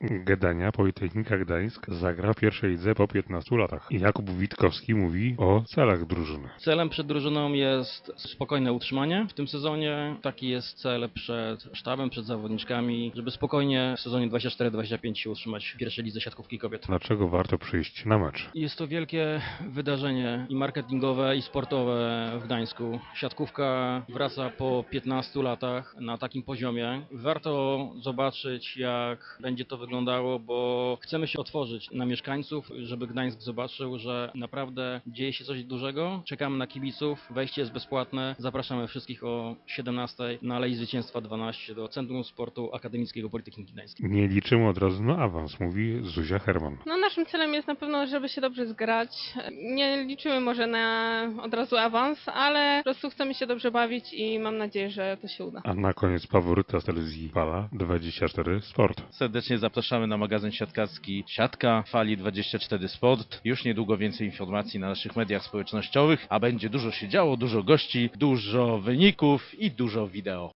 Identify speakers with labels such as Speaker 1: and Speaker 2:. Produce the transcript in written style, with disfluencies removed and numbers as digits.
Speaker 1: Gdania Politechnika Gdańsk zagra w pierwszej lidze po 15 latach. Jakub Witkowski mówi o celach drużyny.
Speaker 2: Celem przed drużyną jest spokojne utrzymanie w tym sezonie. Taki jest cel przed sztabem, przed zawodniczkami, żeby spokojnie w sezonie 24-25 się utrzymać w pierwszej lidze siatkówki kobiet.
Speaker 1: Dlaczego warto przyjść na mecz?
Speaker 2: Jest to wielkie wydarzenie i marketingowe, i sportowe w Gdańsku. Siatkówka wraca po 15 latach na takim poziomie. Warto zobaczyć, jak będzie to wyglądało, bo chcemy się otworzyć na mieszkańców, żeby Gdańsk zobaczył, że naprawdę dzieje się coś dużego. Czekamy na kibiców, wejście jest bezpłatne. Zapraszamy wszystkich o 17 na Alei Zwycięstwa 12 do Centrum Sportu Akademickiego Politechniki Gdańskiej.
Speaker 1: Nie liczymy od razu na awans, mówi Zuzia Herman.
Speaker 3: No naszym celem jest na pewno, żeby się dobrze zgrać. Nie liczymy może na od razu awans, ale po prostu chcemy się dobrze bawić i mam nadzieję, że to się uda.
Speaker 1: A na koniec faworyta z telewizji Fala 24 Sport.
Speaker 4: Serdecznie zapraszamy na magazyn siatkarski Siatka Fali 24 Sport. Już niedługo więcej informacji na naszych mediach społecznościowych, a będzie dużo się działo, dużo gości, dużo wyników i dużo wideo.